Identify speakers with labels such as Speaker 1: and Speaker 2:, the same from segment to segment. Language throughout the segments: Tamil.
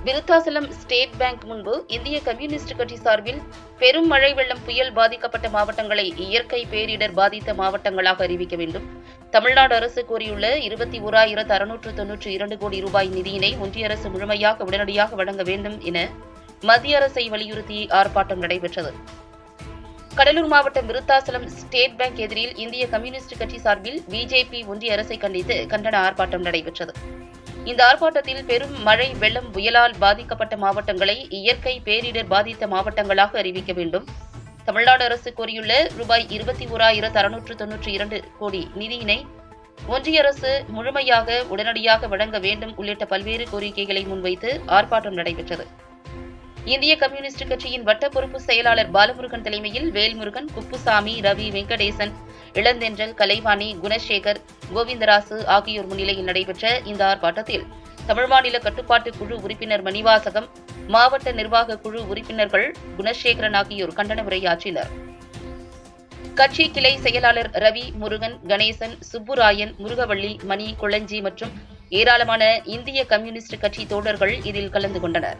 Speaker 1: விருத்தாசலம் ஸ்டேட் பேங்க் முன்பு இந்திய கம்யூனிஸ்ட் கட்சி சார்பில் பெரும் மழை வெள்ளம் புயல் பாதிக்கப்பட்ட மாவட்டங்களை இயற்கை பேரிடர் பாதித்த மாவட்டங்களாக அறிவிக்க வேண்டும். தமிழ்நாடு அரசு கோரியுள்ள 21,692 கோடி ரூபாய் நிதியினை ஒன்றிய அரசு முழுமையாக உடனடியாக வழங்க வேண்டும் என மத்திய அரசை வலியுறுத்தி ஆர்ப்பாட்டம் நடைபெற்றது. கடலூர் மாவட்டம் விருத்தாசலம் ஸ்டேட் பேங்க் எதிரில் இந்திய கம்யூனிஸ்ட் கட்சி சார்பில் பிஜேபி ஒன்றிய அரசை கண்டித்து கண்டன ஆர்ப்பாட்டம் நடைபெற்றது. இந்த ஆர்ப்பாட்டத்தில் பெரும் மழை வெள்ளம் புயலால் பாதிக்கப்பட்ட மாவட்டங்களை இயற்கை பேரிடர் பாதித்த மாவட்டங்களாக அறிவிக்க வேண்டும். தமிழ்நாடு அரசு கோரியுள்ள ரூபாய் 21,692 கோடி நிதியினை ஒன்றிய அரசு முழுமையாக உடனடியாக வழங்க வேண்டும் உள்ளிட்ட பல்வேறு கோரிக்கைகளை முன்வைத்து ஆர்ப்பாட்டம் நடைபெற்றது. இந்திய கம்யூனிஸ்ட் கட்சியின் வட்ட பொறுப்பு செயலாளர் பாலமுருகன் தலைமையில் வேல்முருகன், குப்புசாமி, ரவி, வெங்கடேசன், இளந்தென்றல், கலைவாணி, குணசேகர், கோவிந்தராசு ஆகியோர் முன்னிலையில் நடைபெற்ற இந்த ஆர்ப்பாட்டத்தில் தமிழ் மாநில கட்டுப்பாட்டு குழு உறுப்பினர் மணிவாசகம், மாவட்ட நிர்வாக குழு உறுப்பினர்கள் குணசேகரன் ஆகியோர் கண்டன உரையாற்றினர். கட்சி கிளை செயலாளர் ரவி, முருகன், கணேசன், சுப்புராயன், முருகவள்ளி, மணி, குளஞ்சி மற்றும் ஏராளமான இந்திய கம்யூனிஸ்ட் கட்சி தோழர்கள் இதில் கலந்து கொண்டனர்.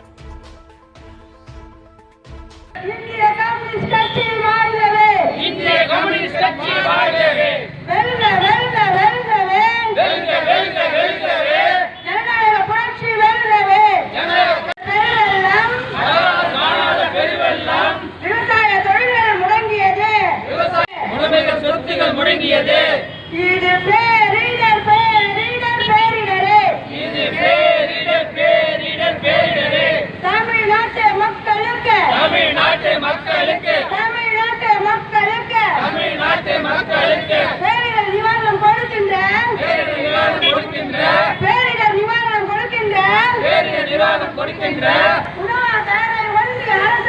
Speaker 2: இந்திய கம்யூனிஸ்ட் கட்சி வாழ்கவே!
Speaker 3: இந்திய கம்யூனிஸ்ட் கட்சி வாழ்கவே!
Speaker 2: வெல்க வெல்க வெல்கவே!
Speaker 3: வெல்க வெல்க வெல்கவே!
Speaker 2: ஜனநாயக புரட்சி வெல்கவே! பெருவெள்ளம்,
Speaker 3: காணாத பெருவெள்ளம்,
Speaker 2: விவசாய தொழில்கள் முடங்கியது,
Speaker 3: உடைமைகள் சொத்துகள் முடங்கியது.
Speaker 2: இது பேரிடர் பேரிடர் பேரிடரே!
Speaker 3: இது பேரிடர் பேரிடர் பேரிடரே!
Speaker 2: தமிழ்நாட்டு மக்களுக்கு
Speaker 3: தமிழ்நாட்டு மக்களுக்கு
Speaker 2: தமிழ்நாட்டு மக்களுக்கு
Speaker 3: தமிழ்நாட்டு மக்களுக்கு
Speaker 2: பேரிடர் நிவாரணம் கொடுக்கின்ற
Speaker 3: பேரிடர் நிவாரணம் கொடுக்கின்ற
Speaker 2: பேரிடர் நிவாரணம் கொடுக்கின்ற
Speaker 3: பேரிடர் நிவாரணம் கொடுக்கின்ற
Speaker 2: உணவாதார ஒன்றிய அரசு